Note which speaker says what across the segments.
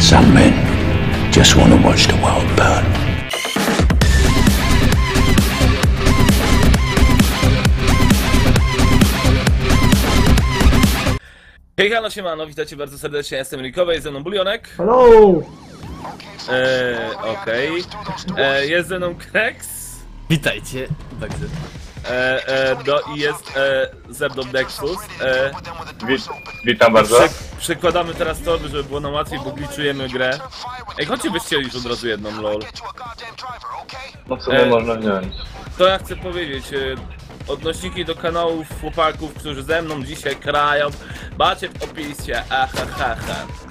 Speaker 1: Some men just want to watch the world burn.
Speaker 2: Hejka, siemano, witajcie bardzo serdecznie, ja jestem Rikowy, jest ze mną Bulionek.
Speaker 3: Hello!
Speaker 2: Okej. Jest ze mną Krex.
Speaker 4: Witajcie, także.
Speaker 2: I jest ze mną Nexus.
Speaker 5: Witam bardzo.
Speaker 2: Przekładamy teraz torby, żeby było nam łatwiej, bo glitchujemy grę. Ej, chodźcie byście już od razu jedną, lol.
Speaker 5: No co można wziąć?
Speaker 2: To ja chcę powiedzieć, odnośniki do kanałów chłopaków, którzy ze mną dzisiaj krają, macie w opisie, ahahaha.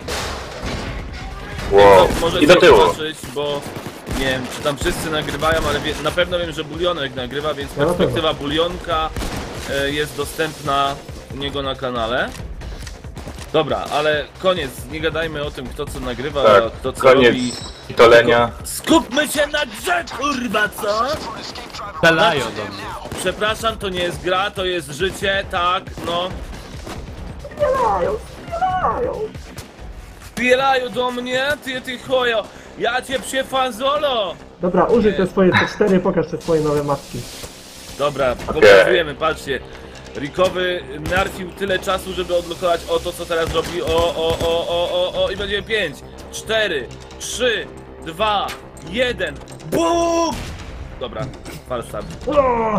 Speaker 5: Wow.
Speaker 2: Możecie
Speaker 5: I do tyłu.
Speaker 2: zobaczyć, bo nie wiem, czy tam wszyscy nagrywają, ale na pewno wiem, że Bulionek nagrywa, więc perspektywa Bulionka jest dostępna u niego na kanale. Dobra, ale koniec, nie gadajmy o tym, kto co nagrywa,
Speaker 5: Tak,
Speaker 2: kto co
Speaker 5: koniec
Speaker 2: robi.
Speaker 5: pitolenia.
Speaker 2: Skupmy się na grze, kurwa, co?
Speaker 4: Strzelają do mnie.
Speaker 2: Przepraszam, to nie jest gra, to jest życie, tak, no. Spielają do mnie, ty chojo, ja cię przyfazolo!
Speaker 3: Dobra, użyj te swoje C4, pokaż te swoje nowe maski.
Speaker 2: Dobra, pokazujemy, patrzcie. Rikowy narfił tyle czasu, żeby odblokować to, co teraz robi. I będzie 5, 4, 3, 2, 1. BUM! Dobra, falstart.
Speaker 3: O!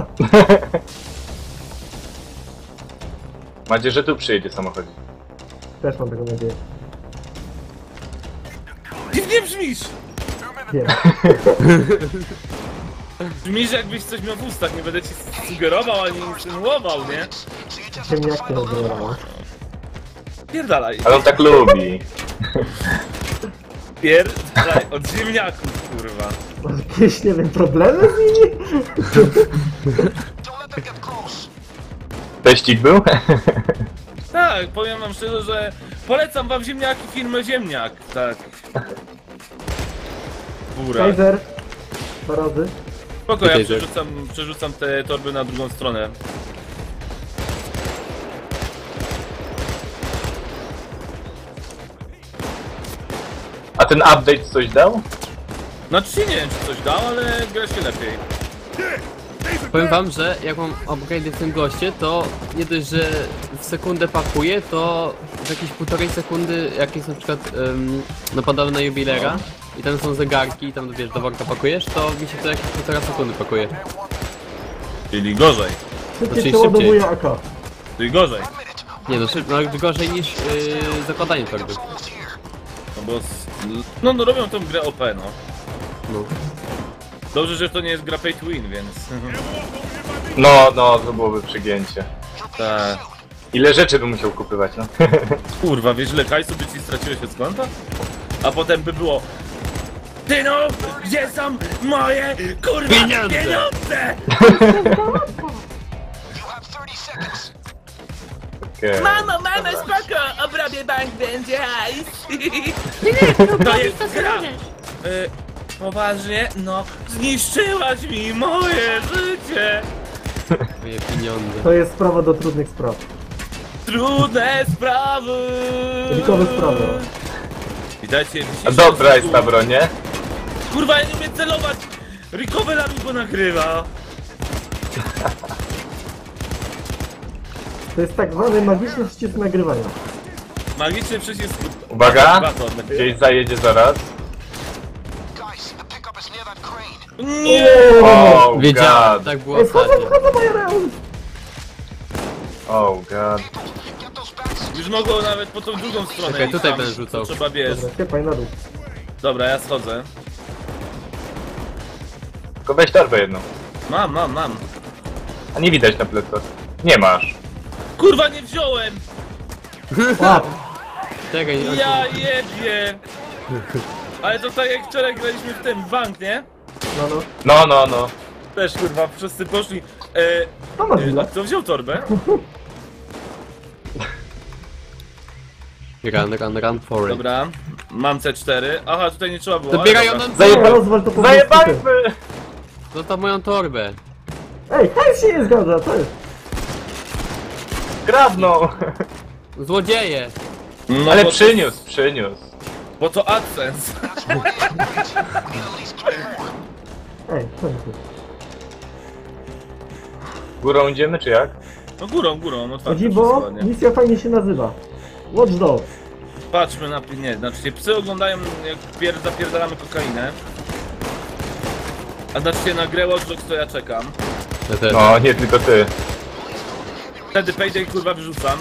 Speaker 5: Mam nadzieję, że tu przyjedzie samochodzik.
Speaker 3: Też mam taką nadzieję.
Speaker 2: Dziwnie brzmisz!
Speaker 3: Nie.
Speaker 2: Brzmisz, jakbyś coś miał w ustach, nie będę ci sugerował ani insynuował, nie?
Speaker 3: Ciemniak nie rozbrojował.
Speaker 2: Pierdalaj.
Speaker 5: Ale on tak lubi.
Speaker 2: Pierdalaj od ziemniaków, kurwa.
Speaker 3: Masz jakieś, nie wiem, problemy z nimi?
Speaker 5: Teścik był?
Speaker 2: Tak, powiem wam szczerze, że polecam wam ziemniaki, firmę Ziemniak, tak. Góra.
Speaker 3: Kaiser. 2 razy.
Speaker 2: Spoko, ja
Speaker 4: Kaiser.
Speaker 2: przerzucam te torby na drugą stronę.
Speaker 5: A ten update coś dał?
Speaker 2: Znaczy nie wiem, czy coś dał, ale gra się lepiej.
Speaker 4: Powiem wam, że jak mam upgrade w tym goście, to nie dość, że w sekundę pakuję, to w jakieś 1,5 sekundy, jak jest na przykład napadamy na jubilera i tam są zegarki i tam wiesz, do worka pakujesz, to mi się to jakieś 1,5 sekundy pakuje.
Speaker 2: Czyli gorzej.
Speaker 3: Szybciej
Speaker 4: Znaczy
Speaker 3: przeładowuje AK.
Speaker 2: Czyli gorzej.
Speaker 4: Nie no, no gorzej niż zakładanie torby.
Speaker 2: No bo... No robią tą grę OP, no.
Speaker 4: No.
Speaker 2: Dobrze, że to nie jest gra pay to win, więc...
Speaker 5: No, to byłoby przygięcie.
Speaker 2: Tak.
Speaker 5: Ile rzeczy bym musiał kupywać, no?
Speaker 2: Kurwa, wiesz, ile hajsu by ci straciłeś od konta? A potem by było... Ty no, gdzie są moje, kurwa, pieniądze?
Speaker 5: Okay.
Speaker 2: Mamo, spoko, obrabię bank, będzie hajs. To jest gra. Poważnie? No, zniszczyłaś mi moje życie.
Speaker 4: Moje pieniądze.
Speaker 3: To jest sprawa do trudnych spraw.
Speaker 2: Trudne sprawy.
Speaker 3: Rikowe sprawy.
Speaker 2: Witajcie,
Speaker 5: A dobra jest ta broń, nie?
Speaker 2: Kurwa, ja nie umiem celować. Rikowy na mi go nagrywa.
Speaker 3: To jest tak zwany magiczny przycisk nagrywania.
Speaker 2: Magiczny przycisk.
Speaker 5: Uwaga!
Speaker 2: Baton.
Speaker 5: Gdzieś zajedzie zaraz.
Speaker 2: Nie!
Speaker 5: Oh
Speaker 4: Wiedziałem,
Speaker 5: god.
Speaker 4: tak było
Speaker 3: Ej, wchodzą,
Speaker 4: ostatnio.
Speaker 3: wchodzą moje reum!
Speaker 5: Oh god.
Speaker 2: Już mogło nawet po tą drugą stronę.
Speaker 4: Czekaj,
Speaker 2: iść
Speaker 4: tutaj
Speaker 2: tam,
Speaker 4: będę rzucał.
Speaker 2: to trzeba wiesz.
Speaker 3: Dobra, ciepaj na dół.
Speaker 2: Dobra, ja schodzę.
Speaker 5: Tylko weź torbę jedną.
Speaker 2: Mam.
Speaker 5: A nie widać na plecach. Nie masz.
Speaker 2: Kurwa, nie wziąłem!
Speaker 3: Łap!
Speaker 4: Czekaj, nie
Speaker 2: Ja jebie! Ale to tak jak wczoraj graliśmy w ten bank, nie?
Speaker 5: No.
Speaker 2: Też kurwa, wszyscy poszli.
Speaker 3: To masz
Speaker 2: A
Speaker 3: ile?
Speaker 2: kto wziął torbę?
Speaker 4: Run for it.
Speaker 2: Dobra, mam C4. Aha, tutaj nie trzeba było.
Speaker 4: Dobierają
Speaker 2: ale
Speaker 4: nam
Speaker 2: dobra.
Speaker 3: Dobra, rozwal to po
Speaker 5: Zajebajmy!
Speaker 4: Zostaw moją torbę.
Speaker 3: Ej, hej się nie zgadza, to jest.
Speaker 5: Kradną!
Speaker 4: Złodzieje!
Speaker 2: No
Speaker 5: Ale
Speaker 2: bo-
Speaker 5: przyniósł.
Speaker 2: Bo to AdSense.
Speaker 3: Ej, co jest?
Speaker 5: Górą idziemy, czy jak?
Speaker 2: No górą, otwarte
Speaker 3: Chodzi,
Speaker 2: wszystko
Speaker 3: bo
Speaker 2: ładnie.
Speaker 3: misja fajnie się nazywa. Watch Dogs.
Speaker 2: Patrzmy na... Nie, znaczy się psy oglądają jak zapierdalamy kokainę. A znaczy się na grę Watch Dogs to ja czekam.
Speaker 4: Ja też.
Speaker 5: No, nie tylko ty.
Speaker 2: Wtedy Payday kurwa wyrzucam.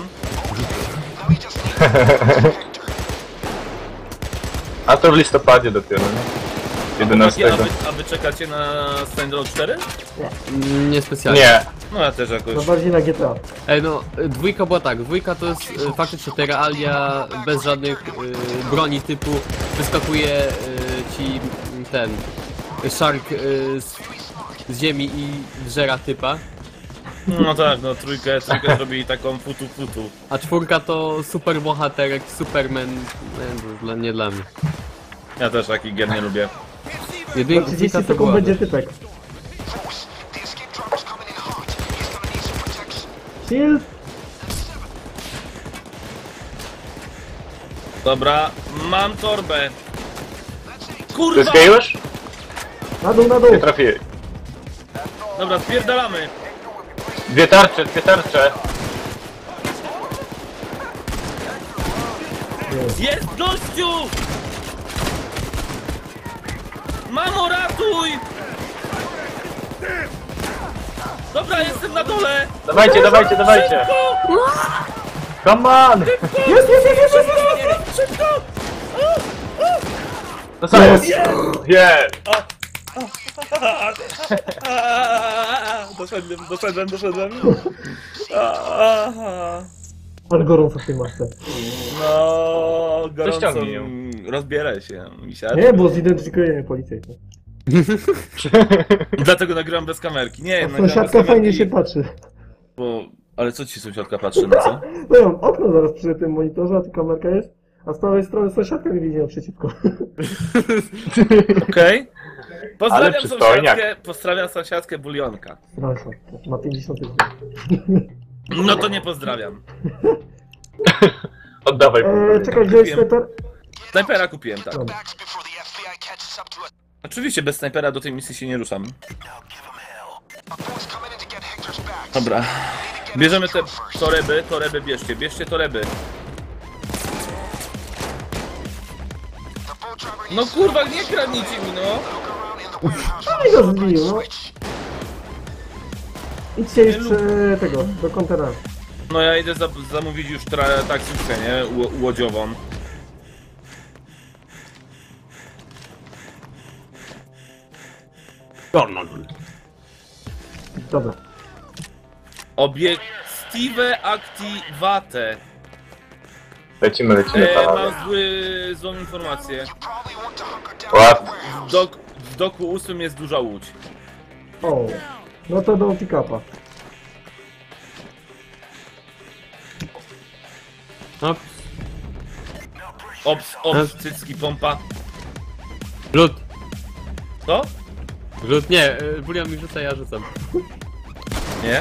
Speaker 5: A to w listopadzie dopiero, nie? 11.
Speaker 2: A wy czekacie na Saints Row 4?
Speaker 4: Niespecjalnie.
Speaker 5: Nie.
Speaker 2: No ja też
Speaker 3: No
Speaker 2: jakoś.
Speaker 3: bardziej na GTA.
Speaker 4: Ej no, dwójka była tak, dwójka to jest faktycznie te realia bez żadnych broni typu wyskakuje ci ten shark z ziemi i żera typa,
Speaker 2: No tak, no trójkę zrobili taką futu.
Speaker 4: a czwórka to super bohaterek, Superman, nie dla mnie.
Speaker 2: Ja też takich gier nie lubię.
Speaker 3: Za
Speaker 4: Jedynka
Speaker 3: 30
Speaker 4: to
Speaker 3: sekund
Speaker 4: była
Speaker 3: będzie typek. Shield!
Speaker 2: Dobra, mam torbę. Kurwa!
Speaker 5: Wszystkie już?
Speaker 3: Na dół, na dół!
Speaker 5: Nie trafiłem.
Speaker 2: Dobra, spierdalamy.
Speaker 5: Dwie tarcze.
Speaker 2: Jest gościu! Mamo, ratuj! Dobra, jestem na dole!
Speaker 5: Dawajcie. Come on!
Speaker 2: Szybko!
Speaker 5: No co jest? Jest!
Speaker 2: Doszedłem.
Speaker 3: Ale gorąco w tej masce.
Speaker 2: No, gorąco.
Speaker 5: ściągnij ją.
Speaker 2: Rozbieraj się, misiaczku.
Speaker 3: Nie, bo zidentyfikuje mnie policjant.
Speaker 2: Dlatego nagrywam bez kamerki. Nie, nagrywam bez
Speaker 3: Sąsiadka
Speaker 2: kamerki,
Speaker 3: fajnie się patrzy.
Speaker 2: Bo... Ale co ci sąsiadka patrzy na co?
Speaker 3: No ja mam okno zaraz przy tym monitorze, a tu kamerka jest. A z prawej strony sąsiadka mi widzi naprzeciwko.
Speaker 2: Okej. Pozdrawiam
Speaker 5: Ale przystojniak.
Speaker 2: pozdrawiam sąsiadkę Bulionka.
Speaker 3: Proszę, ma 50 dni.
Speaker 2: No to nie pozdrawiam.
Speaker 5: Oddawaj.
Speaker 3: Czekaj, gdzie jest sniper?
Speaker 2: Snajpera kupiłem, tak.
Speaker 3: Dobra.
Speaker 2: Oczywiście bez snajpera do tej misji się nie ruszam. Dobra. Bierzemy te toreby bierzcie toreby. No kurwa, nie kradnijcie mi, no!
Speaker 3: No i go zbił, no. Idźcie już tego, do kontenera.
Speaker 2: No ja idę zamówić już taksówkę, nie? Łodziową.
Speaker 3: Dobra.
Speaker 2: Obiektive activate.
Speaker 5: Lecimy panowie.
Speaker 2: Mam złą informację.
Speaker 5: Ładnie.
Speaker 2: W doku 8 jest duża łódź.
Speaker 3: O, no to do pick-upa.
Speaker 4: No,
Speaker 2: Cycki, pompa.
Speaker 4: rzut,
Speaker 2: Co?
Speaker 4: nie, Bulion mi rzuca, ja rzucam.
Speaker 2: Nie?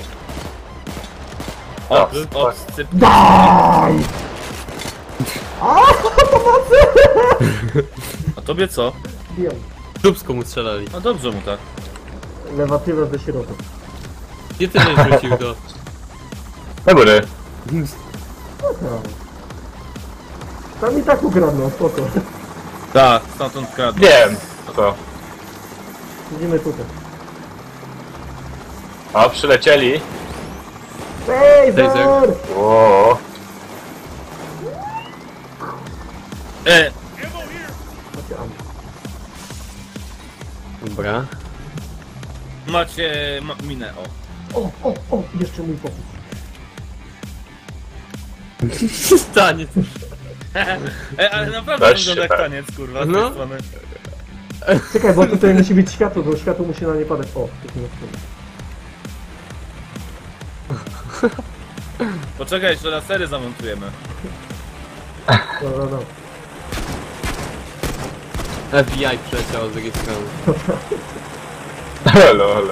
Speaker 5: O,
Speaker 2: cycki.
Speaker 3: Daj! A, pomocy!
Speaker 2: A tobie co?
Speaker 3: Wiem.
Speaker 4: Dubsko mu strzelali.
Speaker 2: No dobrze mu tak.
Speaker 3: Lewatywa ze środka.
Speaker 4: Gdzie ty żeś rzucił to?
Speaker 5: Na górę.
Speaker 3: No. Tam i tak ukradną, spoko.
Speaker 2: Tak, stamtąd kradł.
Speaker 5: Wiem. Co?
Speaker 3: Idziemy tutaj.
Speaker 5: O, przylecieli.
Speaker 3: Ej,
Speaker 4: Taser.
Speaker 3: Zor!
Speaker 5: O,
Speaker 3: Macie ammo.
Speaker 4: Dobra.
Speaker 2: Macie minę, o.
Speaker 3: O, jeszcze mój pokój.
Speaker 4: Stanie.
Speaker 2: Ale naprawdę
Speaker 5: Weź
Speaker 2: wygląda
Speaker 5: się
Speaker 2: jak
Speaker 5: tak.
Speaker 2: taniec, kurwa, z
Speaker 4: No.
Speaker 2: tej strony.
Speaker 3: Czekaj, bo tutaj musi być światło, bo światło musi na nie padać. O, taki na przykład.
Speaker 2: Poczekaj, jeszcze lasery zamontujemy.
Speaker 3: Dobra.
Speaker 4: FBI przeciał z drugiej strony.
Speaker 5: lol.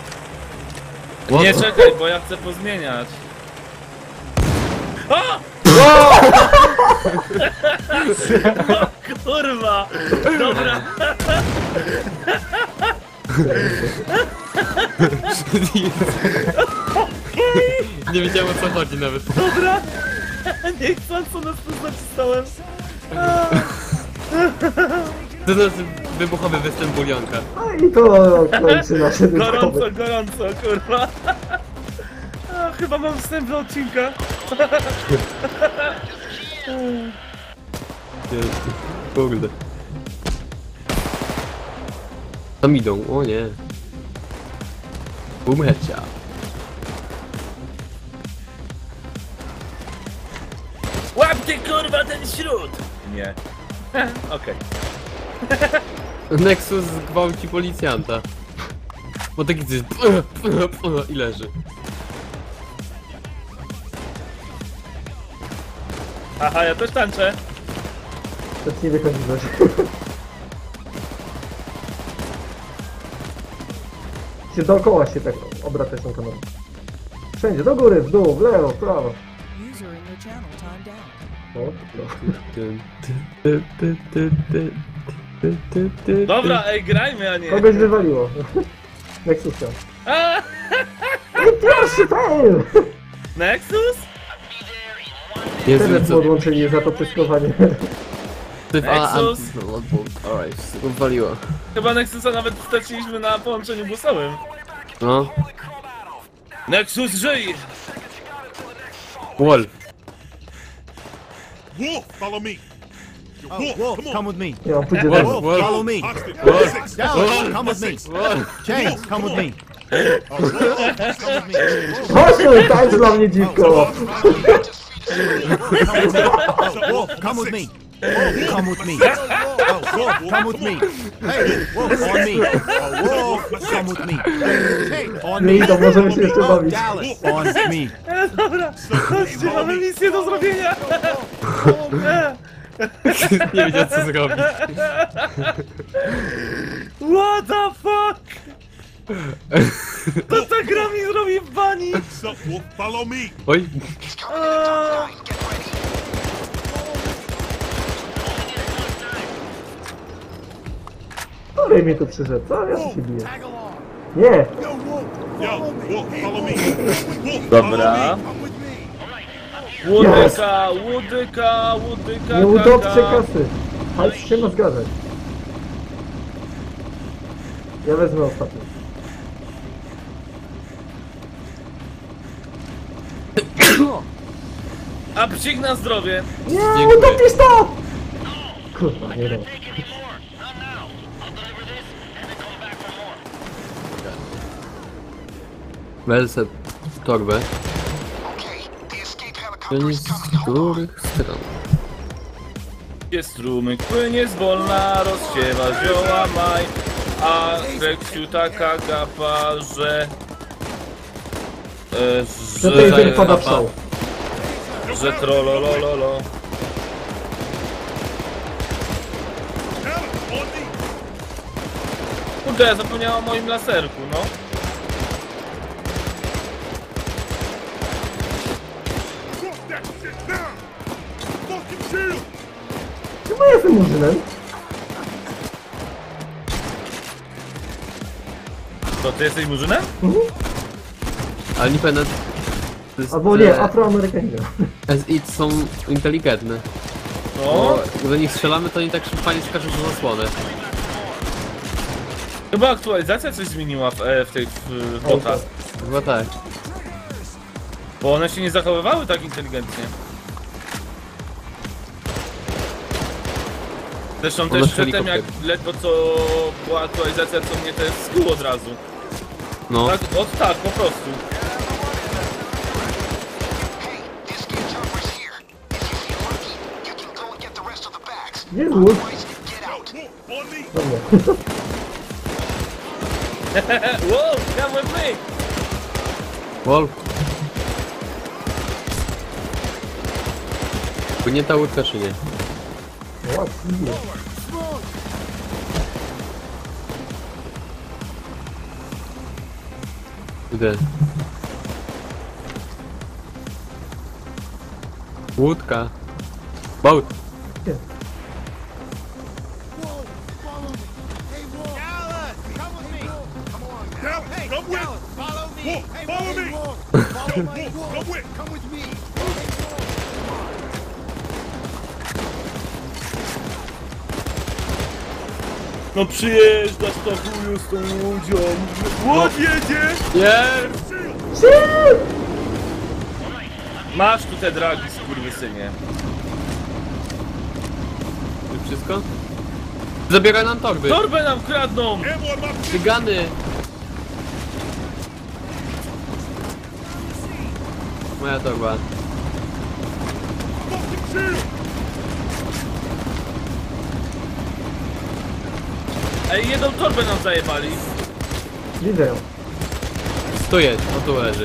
Speaker 2: Nie czekaj, bo ja chcę pozmieniać. A! Kurwa! Dobra!
Speaker 4: Nie wiedziałem, o co chodzi nawet.
Speaker 2: Dobra! Niechcąco nas tu zacisnąłem.
Speaker 4: To znaczy wybuchowy występ bulionka.
Speaker 3: A i to kończy nasze
Speaker 2: Gorąco,
Speaker 3: wybuchowe.
Speaker 2: gorąco, kurwa. A, chyba mam wstęp do odcinka.
Speaker 4: Kurde. Tam idą, o nie. Boom headshot.
Speaker 2: Łap ty kurwa ten śród! Nie. Okej.
Speaker 4: Nexus gwałci policjanta. Bo taki coś i leży.
Speaker 2: Aha, ja też tańczę.
Speaker 3: To nie wychodzi coś. Się dookoła się tak obracać tą kamerą. Wszędzie, do góry, w dół, w lewo, w prawo.
Speaker 6: User in your channel timed out.
Speaker 3: No.
Speaker 2: Dobra, ej, grajmy, a nie.
Speaker 3: Kogoś wywaliło. Nexusa.
Speaker 2: A,
Speaker 3: Pierwszy fail!
Speaker 2: Nexus?
Speaker 4: Jezu,
Speaker 3: Internet
Speaker 4: co?
Speaker 3: podłączyli za to pyskowanie.
Speaker 2: Nexus?
Speaker 4: Alright, waliło.
Speaker 2: Chyba Nexusa nawet straciliśmy na połączeniu głosowym.
Speaker 4: No.
Speaker 2: Nexus żyj!
Speaker 4: Wolf.
Speaker 7: Wolf, follow me.
Speaker 8: Oh, Wolf, come with me.
Speaker 3: Nie, on pójdzie
Speaker 4: Wolf,
Speaker 3: dalej.
Speaker 4: Wolf.
Speaker 8: Follow me.
Speaker 7: Hostage.
Speaker 8: Dallas, come with me.
Speaker 4: Wolf.
Speaker 8: James, come with me.
Speaker 3: Chodź tu, tańcz dla mnie dziwko!
Speaker 8: Wolf, come with me. Wolf, come with me. Oh, Wolf, come with me. Hey, Wolf, on me. Oh, Wolf, come with me. Hey, on me.
Speaker 3: Nie, to możemy się jeszcze
Speaker 8: Oh,
Speaker 3: bawić.
Speaker 8: Dallas, on me.
Speaker 2: Dobra, chodźcie, mamy misję do zrobienia.
Speaker 4: Nie wiedział, co zrobić.
Speaker 2: What the fuck? To ta gra mi zrobi w bani.
Speaker 7: What's up, Wolf? Follow me.
Speaker 4: Oj.
Speaker 2: A,
Speaker 3: Który mi tu przyszedł? Co? Ja się biję. Nie!
Speaker 7: Yo, Wolf, follow me. Wolf,
Speaker 2: Dobra.
Speaker 7: follow me. Come with me.
Speaker 2: łodyka, łodyka, łodyka,
Speaker 3: Nie utopcie
Speaker 2: kaka.
Speaker 3: kasy! Chodź się ma zgadzać. Ja wezmę ostatni.
Speaker 2: A psik na zdrowie.
Speaker 3: Nie,
Speaker 4: Dziękuję.
Speaker 3: utopisz to! Kurwa, nie wiem.
Speaker 4: Welsę torbę. Płynie z których stron?
Speaker 2: Jest strumyk, płynie zwolna, rozsiewa zioła maj. A Reksiu taka gapa, że...
Speaker 3: Że to jest pada w szał.
Speaker 2: Że trololololo.
Speaker 7: Dallas, on me.
Speaker 2: Kurde, ja zapomniałem o moim laserku, no.
Speaker 7: Drop that shit down. Fucking shield.
Speaker 3: Chyba jestem murzynem.
Speaker 2: To ty jesteś murzynem?
Speaker 4: Ale nie pamiętam. to jest,
Speaker 3: Albo nie, Afroamerykanina.
Speaker 4: As it są inteligentne.
Speaker 2: No.
Speaker 4: Bo do nich strzelamy, to oni tak fajnie skaczą do zasłony.
Speaker 2: Chyba aktualizacja coś zmieniła w tych botach.
Speaker 4: Chyba tak.
Speaker 2: Bo one się nie zachowywały tak inteligentnie. Zresztą
Speaker 4: One
Speaker 2: też przedtem
Speaker 4: helikopter.
Speaker 2: jak ledwo co była aktualizacja, co mnie też skuło od razu.
Speaker 4: No.
Speaker 2: Tak, tak, po prostu.
Speaker 3: Jest łódź.
Speaker 7: Wolf, on me.
Speaker 3: Dobra.
Speaker 2: Wow, come with me!
Speaker 4: Wolf. Płynie ta łódka czy nie?
Speaker 3: Ładnie.
Speaker 4: Gdzie? Łódka. Boat.
Speaker 7: Down, come with. Follow me. Follow me. Come with me.
Speaker 2: No przyjeżdżasz to chuju z tą łodzią. Łódź jedzie!
Speaker 4: Jest!
Speaker 2: Masz tu te dragi, skurwysynie.
Speaker 4: To wszystko? Zabieraj nam torby.
Speaker 2: Torbę nam kradną!
Speaker 4: Cygany. Moja torba.
Speaker 2: Ej, jedną torbę nam zajebali.
Speaker 3: Widzę ją.
Speaker 4: Tu jest, o tu leży.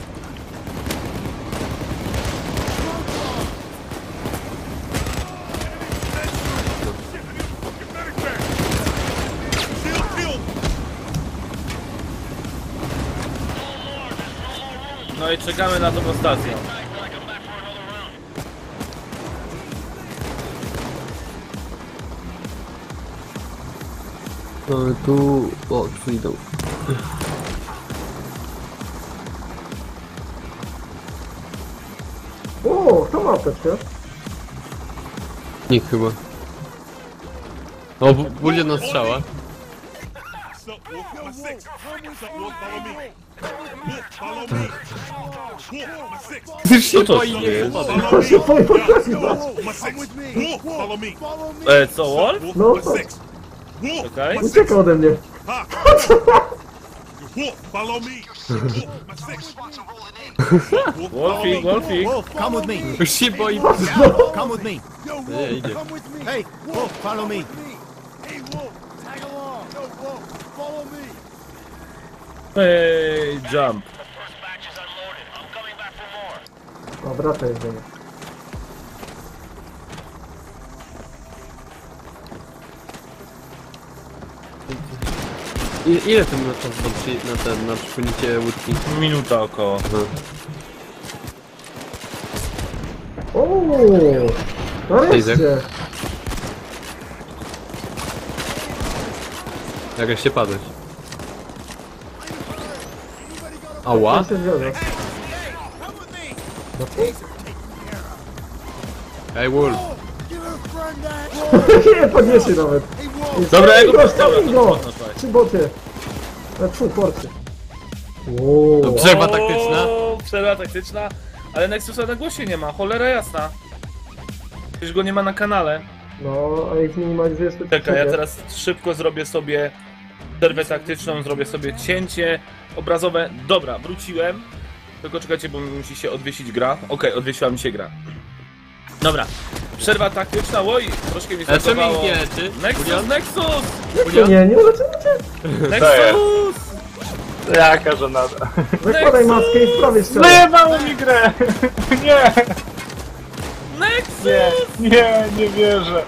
Speaker 2: No i czekamy na tą stację.
Speaker 4: No tu... O, tu idą.
Speaker 3: O, kto ma apteczkę?
Speaker 4: Nikt chyba. O, budzie na strzała.
Speaker 7: Sup, Wolf? My six. Sup, Wolf? Follow me. Wolf, follow me. Wolf, my six.
Speaker 4: Już się
Speaker 2: to
Speaker 4: boi, nie
Speaker 2: jest?
Speaker 4: chce
Speaker 3: To się boi podchodzić.
Speaker 7: My six. Wolf, follow me.
Speaker 2: Co, Wolf?
Speaker 7: Wolf,
Speaker 3: No,
Speaker 7: my
Speaker 3: to-
Speaker 7: six. Wolf,
Speaker 2: Okej.
Speaker 7: my six.
Speaker 3: Ucieka ode mnie.
Speaker 7: Ha. Wolf, follow me. Wolf, my six. Wolf,
Speaker 2: Wolfik, Wolfik.
Speaker 8: Wolf, come with me.
Speaker 4: Już się boi.
Speaker 8: Come with me.
Speaker 4: Nie, idzie.
Speaker 8: Hey, Wolf, follow me.
Speaker 2: Ej, jump.
Speaker 3: O, wraca jest do mnie.
Speaker 4: Ile tym na czas na przypłynięcie łódki?
Speaker 2: Minuta około.
Speaker 3: O, nareszcie.
Speaker 4: Jak się padłeś. Ała?
Speaker 3: Ja się zgadza.
Speaker 4: Ej, Wolf.
Speaker 3: Nie podniesie nawet.
Speaker 2: Dobra, ja go
Speaker 3: Stawię
Speaker 2: postawię.
Speaker 3: go! Trzy boty. Tfu, porcy. Wow.
Speaker 4: No, przerwa taktyczna.
Speaker 2: O, przerwa taktyczna. Ale Nexusa na głosie nie ma, cholera jasna. Przecież go nie ma na kanale.
Speaker 3: No, a jak minimalizujesz to...
Speaker 2: Czekaj, ja teraz szybko zrobię sobie przerwę taktyczną, zrobię sobie cięcie obrazowe. Dobra, wróciłem. Tylko czekajcie, bo musi się odwiesić gra. Okej, odwiesiła mi się gra. Dobra, przerwa taktyczna, oj, troszkę mi
Speaker 4: Ale czemu
Speaker 2: zachowało.
Speaker 4: ich nie leczy?
Speaker 2: Nexus,
Speaker 4: Julian?
Speaker 2: Nexus!
Speaker 3: Nie uleczymy cię.
Speaker 2: Nexus!
Speaker 5: Jaka żenada.
Speaker 3: Zakładaj maskę i sprawię strzelę.
Speaker 5: Zajebało mi grę! Nie!
Speaker 2: Nexus!
Speaker 5: Nie wierzę.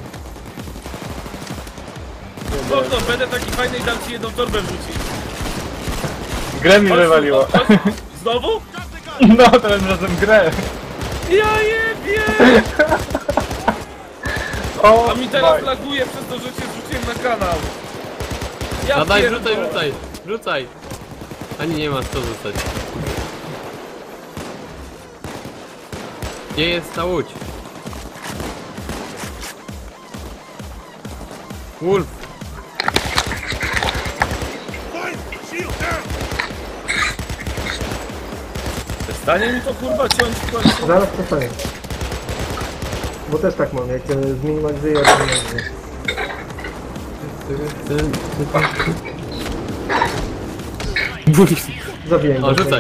Speaker 2: Spoko, będę taki fajny i dam ci jedną torbę wrzucić.
Speaker 5: Grę mi
Speaker 2: Chodź,
Speaker 5: wywaliło.
Speaker 2: chodź. Znowu?
Speaker 5: No, tym razem grę.
Speaker 2: Ja jebie!
Speaker 5: O,
Speaker 2: A mi teraz
Speaker 5: my.
Speaker 2: laguje przez to, że cię wrzuciłem na kanał. Ja
Speaker 4: No daj,
Speaker 2: pierdolę.
Speaker 4: rzucaj. Ani nie masz co rzucać. Gdzie jest ta łódź? Wolf.
Speaker 7: Fight! Shield down!
Speaker 2: Przestanie mi to kurwa ciąć w końcu.
Speaker 3: Zaraz przestanie. Bo też tak mam, jak zminimalizuję, to nie. Zabiję go.
Speaker 4: O, rzucaj.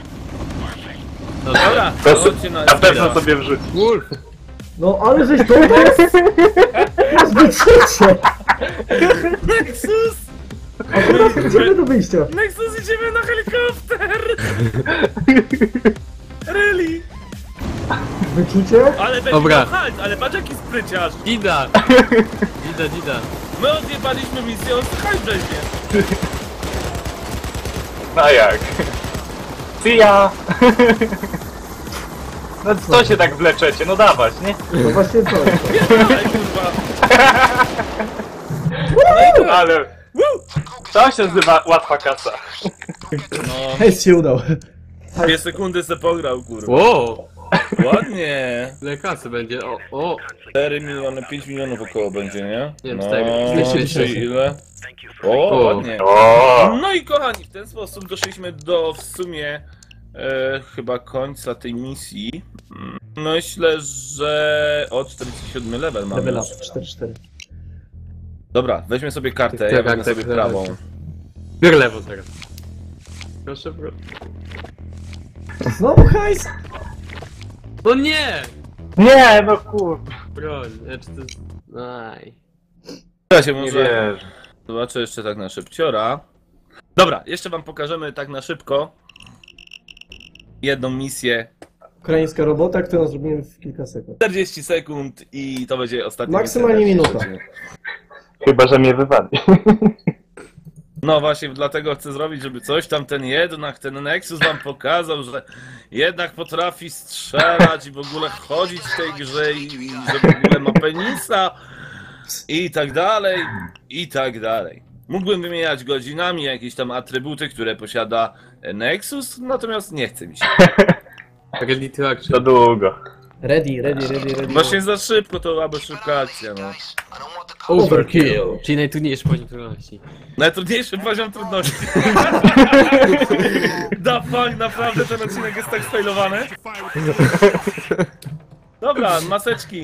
Speaker 2: Dobra,
Speaker 5: To
Speaker 2: chodźcie na
Speaker 5: na pewno
Speaker 2: Espira.
Speaker 5: sobie wrzuć.
Speaker 4: Wolf.
Speaker 3: No ale żeś to jest! Masz być trzecie!
Speaker 2: Nexus!
Speaker 3: Akurat idziemy do wyjścia.
Speaker 2: Nexus, idziemy na helikopter! Really?
Speaker 3: Wyczucie?
Speaker 2: Ale będzie
Speaker 4: Dobra.
Speaker 2: miał halt, ale patrz jaki spryciarz.
Speaker 4: Dida. Dida.
Speaker 2: My odjebaliśmy misję, on halt weźmie.
Speaker 5: No jak? See ya! No co się tak wleczecie? No dawać, nie?
Speaker 3: No właśnie to.
Speaker 2: Aj, kurwa.
Speaker 5: Ale... To się nazywa łatwa kasa.
Speaker 2: No,
Speaker 3: Hejs się udał.
Speaker 2: 2 sekundy se pograł, kurwa.
Speaker 4: Wow!
Speaker 2: Ładnie.
Speaker 4: Ile kasy będzie? O!
Speaker 2: 4 miliony, 5 milionów około będzie, nie?
Speaker 4: Nie wiem,
Speaker 2: No,
Speaker 4: 4.
Speaker 3: 200 000.
Speaker 2: ile? O,
Speaker 4: O.
Speaker 2: ładnie.
Speaker 5: O,
Speaker 2: No i kochani, w ten sposób doszliśmy do w sumie chyba końca tej misji. Myślę, że o 47 level mamy.
Speaker 3: Level up,
Speaker 2: już.
Speaker 3: 4-4.
Speaker 2: Dobra, weźmy sobie kartę,
Speaker 4: Tak,
Speaker 2: ja
Speaker 4: tak,
Speaker 2: wezmę
Speaker 4: tak,
Speaker 2: sobie
Speaker 4: tak.
Speaker 2: prawą.
Speaker 4: Biorę lewo teraz. Proszę, proszę.
Speaker 3: Znowu hajs!
Speaker 4: No nie!
Speaker 5: nie, no kurwa.
Speaker 4: Broń, czy to jest... Aj.
Speaker 2: Ja się
Speaker 5: Nie
Speaker 2: może
Speaker 5: wierzę.
Speaker 2: zobaczę jeszcze tak na szybciora. Dobra, jeszcze wam pokażemy tak na szybko jedną misję.
Speaker 3: Ukraińska robota, którą zrobimy w kilka sekund.
Speaker 2: 40 sekund i to będzie ostatnia
Speaker 3: Maksymalnie
Speaker 2: misja.
Speaker 3: minuta.
Speaker 5: Chyba, że mnie wywali.
Speaker 2: No właśnie, dlatego chcę zrobić, żeby coś tam ten Nexus wam pokazał, że jednak potrafi strzelać i w ogóle chodzić w tej grze i że w ogóle ma penisa i tak dalej, i tak dalej. Mógłbym wymieniać godzinami jakieś tam atrybuty, które posiada Nexus, natomiast nie chce mi się.
Speaker 4: Ready to action.
Speaker 5: To długo.
Speaker 3: Ready.
Speaker 2: Właśnie za szybko to byłaby szybka akcja, no.
Speaker 3: Overkill.
Speaker 4: Czyli najtrudniejszy poziom trudności.
Speaker 2: Najtrudniejszy poziom trudności. Da fuck, naprawdę ten odcinek jest tak sfailowany. Dobra, maseczki.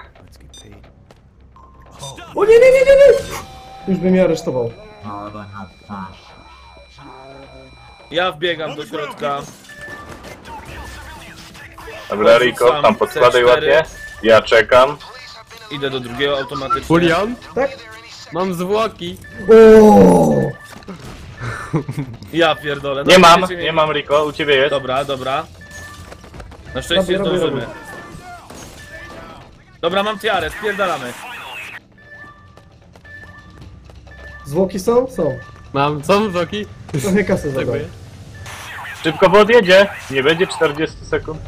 Speaker 3: O nie! Już bym mnie aresztował.
Speaker 2: Ja wbiegam do środka.
Speaker 5: Dobra, Rico, tam podkładaj
Speaker 2: C4.
Speaker 5: ładnie. Ja czekam.
Speaker 2: Idę do drugiego automatycznie.
Speaker 4: Julian?
Speaker 3: Tak?
Speaker 4: Mam zwłoki.
Speaker 3: O!
Speaker 2: Ja pierdolę. No,
Speaker 5: Nie mam,
Speaker 2: będziecie
Speaker 5: nie
Speaker 2: mieli-
Speaker 5: mam Rico, u ciebie jest.
Speaker 2: Dobra. Na szczęście
Speaker 3: Robię.
Speaker 2: zdążymy. Dobra, mam tiarę, spierdalamy.
Speaker 3: Zwłoki są? Są.
Speaker 4: Mam, są zwłoki?
Speaker 3: Trochę kasy zadał.
Speaker 4: Dziękuję.
Speaker 5: Szybko, bo odjedzie. Nie będzie 40 sekund.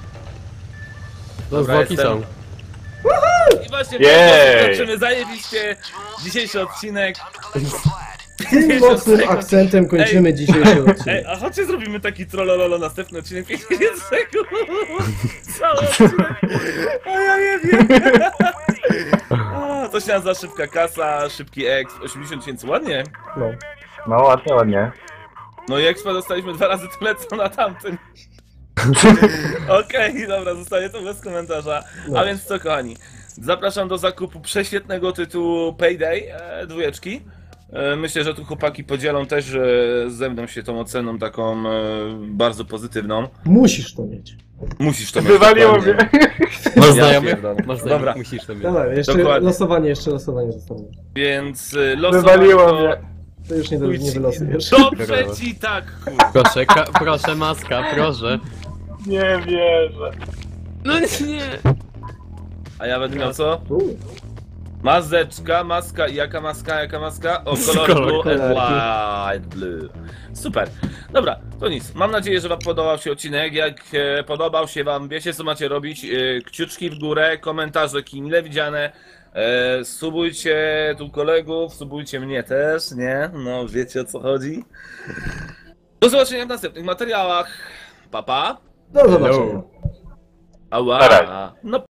Speaker 4: No
Speaker 2: Dobra,
Speaker 4: zwłoki
Speaker 2: jestem.
Speaker 4: są.
Speaker 2: I właśnie
Speaker 5: Jej.
Speaker 2: kończymy zajebiście dzisiejszy odcinek.
Speaker 3: Tym mocnym akcentem kończymy dzisiejszy
Speaker 2: Ej,
Speaker 3: odcinek.
Speaker 2: a chodźcie zrobimy taki trollololo, następny odcinek 50 sekund. Cały odcinek. A ja nie wiem. A, to się nazywa szybka kasa, szybki exp, 80 000, ładnie.
Speaker 3: No.
Speaker 5: No ładnie, ładnie.
Speaker 2: No i expa dostaliśmy 2 razy tyle co na tamtym. Okej, dobra, zostaje to bez komentarza.
Speaker 3: No.
Speaker 2: A więc co, kochani, zapraszam do zakupu prześwietnego tytułu Payday 2. Myślę, że tu chłopaki podzielą też ze mną się tą oceną taką bardzo pozytywną.
Speaker 3: Musisz to mieć.
Speaker 2: Musisz to mieć.
Speaker 5: Wywaliło
Speaker 2: dokładnie.
Speaker 5: mnie.
Speaker 4: Masz
Speaker 2: Ja
Speaker 4: znajomych?
Speaker 2: pierdolę.
Speaker 4: Masz znajomych,
Speaker 2: Dobra.
Speaker 4: musisz to mieć.
Speaker 3: Dawaj, jeszcze
Speaker 2: Dokładnie.
Speaker 3: losowanie zostanie.
Speaker 2: Więc
Speaker 5: Wywaliło
Speaker 2: losowanie
Speaker 5: mnie.
Speaker 3: To już nie wylosujesz.
Speaker 2: dobrze ci tak, kurwa.
Speaker 4: Proszę, proszę maska, proszę.
Speaker 5: Nie wierzę.
Speaker 4: No nie!
Speaker 2: A ja będę miał co? Maska i jaka maska? O, kolor
Speaker 4: Kolor,
Speaker 2: blue and light blue. Super. Dobra, to nic. Mam nadzieję, że wam podobał się odcinek. Jak podobał się wam, wiecie co macie robić. Kciuczki w górę, komentarze mile widziane. Subujcie tu kolegów, subujcie mnie też, nie? No, wiecie o co chodzi. Do zobaczenia w następnych materiałach. Pa, pa.
Speaker 3: Do zobaczenia.
Speaker 2: Ała.
Speaker 5: Na razie.
Speaker 2: No